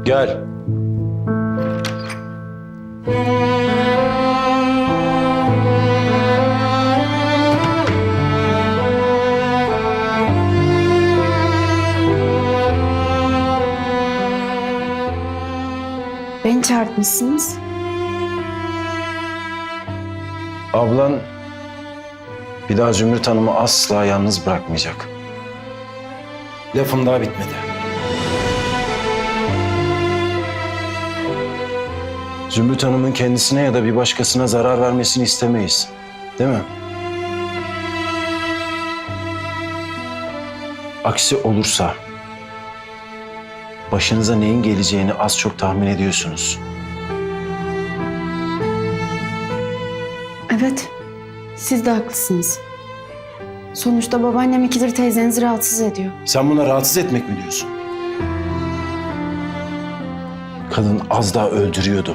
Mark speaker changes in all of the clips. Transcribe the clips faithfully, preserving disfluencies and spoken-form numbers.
Speaker 1: Gel.
Speaker 2: Beni çağırtmışsınız.
Speaker 1: Ablan bir daha Zümrüt Hanım'ı asla yalnız bırakmayacak. Lafım daha bitmedi. Zümrüt Hanım'ın kendisine ya da bir başkasına zarar vermesini istemeyiz. Değil mi? Aksi olursa başınıza neyin geleceğini az çok tahmin ediyorsunuz.
Speaker 2: Evet, siz de haklısınız. Sonuçta babaannem ikidir teyzenizi rahatsız ediyor.
Speaker 1: Sen buna rahatsız etmek mi diyorsun? Kadın az daha öldürüyordu.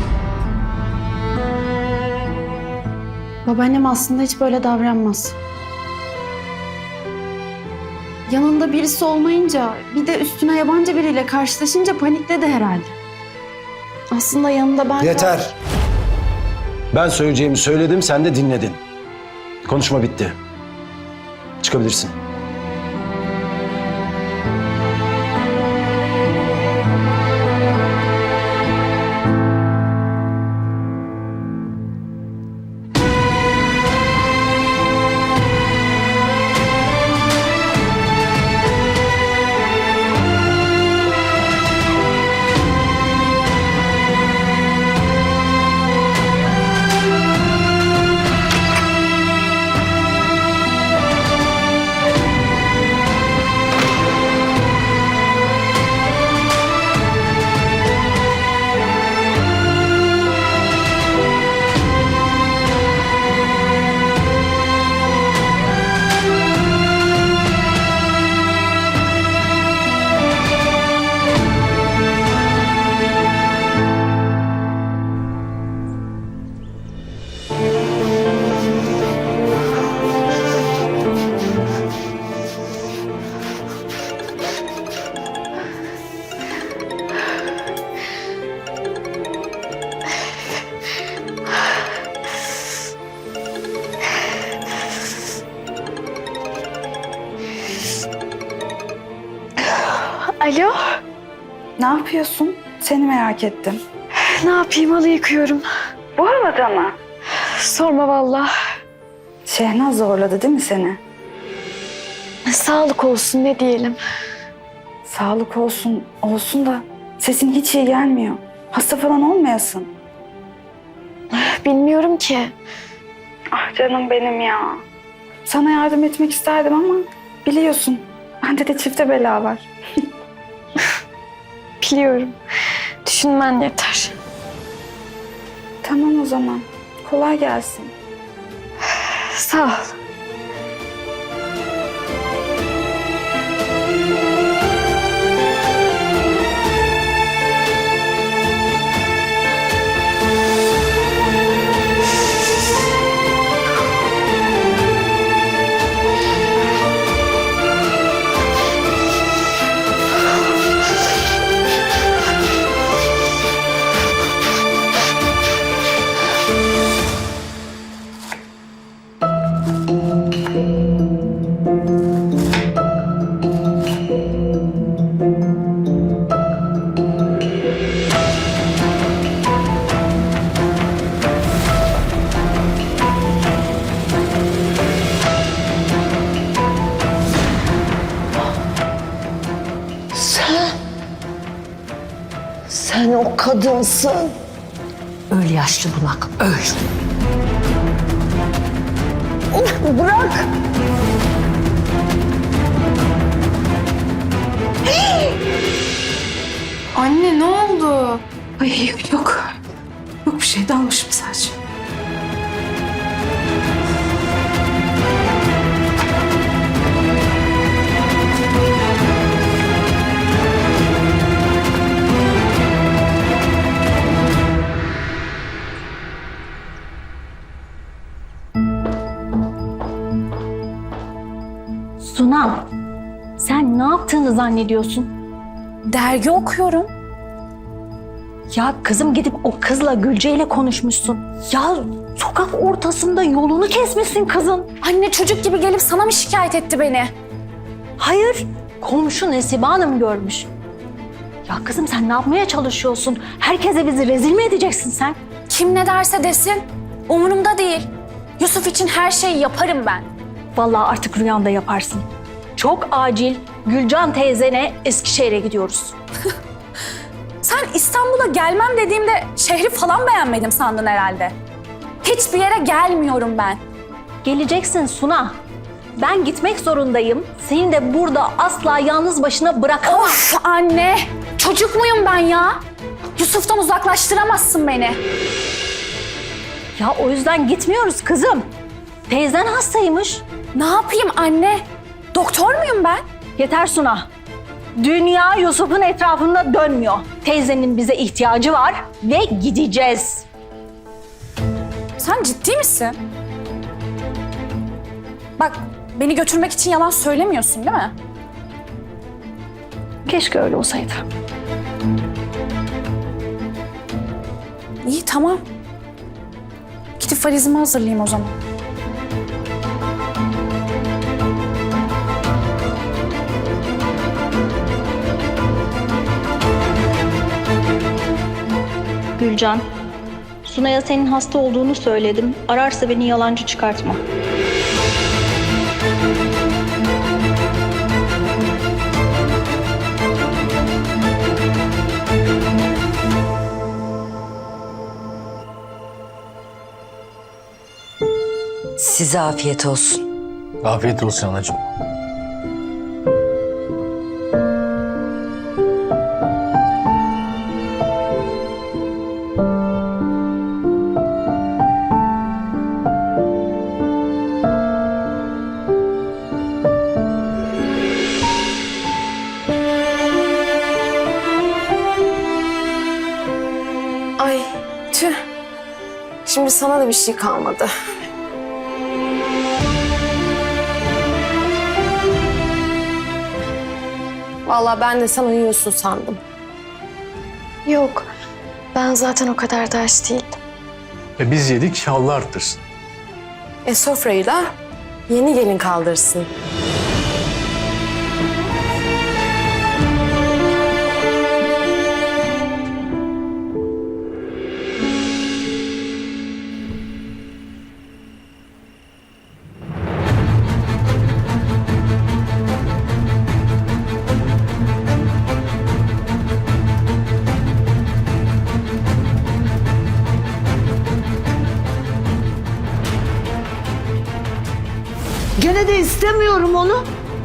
Speaker 2: Babaannem aslında hiç böyle davranmaz. Yanında birisi olmayınca, bir de üstüne yabancı biriyle karşılaşınca panikledi herhalde. Aslında yanında ben...
Speaker 1: Yeter. Ben söyleyeceğimi söyledim, sen de dinledin. Konuşma bitti. Çıkabilirsin.
Speaker 2: Alo,
Speaker 3: Ne yapıyorsun? Seni merak ettim.
Speaker 2: ne yapayım, halı yıkıyorum.
Speaker 3: Bu havada mı?
Speaker 2: Sorma vallahi.
Speaker 3: Şehnaz zorladı değil mi seni?
Speaker 2: Sağlık olsun, ne diyelim.
Speaker 3: Sağlık olsun, olsun da sesin hiç iyi gelmiyor. Hasta falan olmayasın.
Speaker 2: Bilmiyorum ki.
Speaker 3: Ah canım benim ya. Sana yardım etmek isterdim ama biliyorsun bende de çifte bela var.
Speaker 2: Biliyorum. Düşünmen yeter.
Speaker 3: Tamam o zaman. Kolay gelsin.
Speaker 2: Sağ ol.
Speaker 4: Sen o kadınsın. Öl yaşlı bunak, öl. Bırak.
Speaker 2: Anne, ne oldu?
Speaker 3: Ay yok. Yok bir şey, dalmışım sadece.
Speaker 5: Suna, sen ne yaptığını zannediyorsun?
Speaker 3: Dergi okuyorum.
Speaker 4: Ya kızım gidip o kızla Gülce ile konuşmuşsun. Ya sokak ortasında yolunu kesmişsin kızın.
Speaker 5: Anne çocuk gibi gelip sana mı şikayet etti beni?
Speaker 4: Hayır, komşu Nesibe Hanım görmüş. Ya kızım sen ne yapmaya çalışıyorsun? Herkese bizi rezil mi edeceksin sen?
Speaker 5: Kim ne derse desin. Umurumda değil. Yusuf için her şeyi yaparım ben.
Speaker 4: Vallahi artık rüyanda yaparsın. Çok acil Gülcan teyzene Eskişehir'e gidiyoruz.
Speaker 5: Sen İstanbul'a gelmem dediğimde şehri falan beğenmedim sandın herhalde. Hiçbir yere gelmiyorum ben.
Speaker 4: Geleceksin Suna. Ben gitmek zorundayım. Seni de burada asla yalnız başına bırakamam.
Speaker 5: Of anne! Çocuk muyum ben ya? Yusuf'tan uzaklaştıramazsın beni.
Speaker 4: Ya o yüzden gitmiyoruz kızım. Teyzen hastaymış.
Speaker 5: Ne yapayım anne? Doktor muyum ben?
Speaker 4: Yeter Suna. Dünya Yusuf'un etrafında dönmüyor. Teyzenin bize ihtiyacı var ve gideceğiz.
Speaker 5: Sen ciddi misin? Bak beni götürmek için yalan söylemiyorsun değil mi?
Speaker 4: Keşke öyle olsaydı.
Speaker 5: İyi tamam. Gidip valizimi hazırlayayım o zaman.
Speaker 6: Gülcan, Sunay'a senin hasta olduğunu söyledim. Ararsa beni yalancı çıkartma.
Speaker 4: Size afiyet olsun.
Speaker 7: Afiyet olsun anacığım.
Speaker 8: Ay tüh. Şimdi sana da bir şey kalmadı. Vallahi ben de sen uyuyorsun sandım.
Speaker 3: Yok. Ben zaten o kadar da aç değildim.
Speaker 7: E biz yedik, Allah arttırsın.
Speaker 8: E sofrayı da yeni gelin kaldırsın.
Speaker 4: Gene de istemiyorum onu.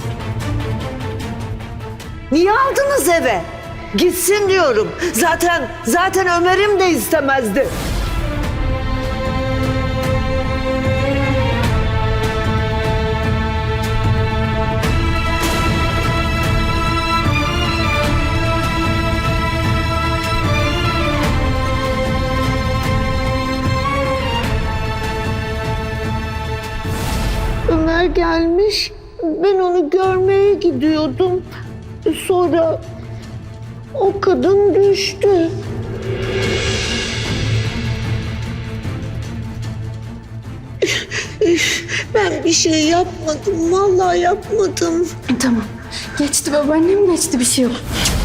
Speaker 4: Niye aldınız eve? Gitsin diyorum. Zaten zaten Ömer'im de istemezdi. Ömer gelmiş. Ben onu görmeye gidiyordum. Sonra o kadın düştü. Ben bir şey yapmadım. Vallahi yapmadım.
Speaker 2: Tamam. Geçti babaannem geçti bir şey yok.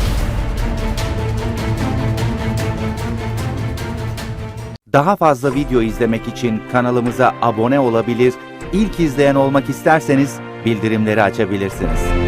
Speaker 9: Daha fazla video izlemek için kanalımıza abone olabilir, ilk izleyen olmak isterseniz bildirimleri açabilirsiniz.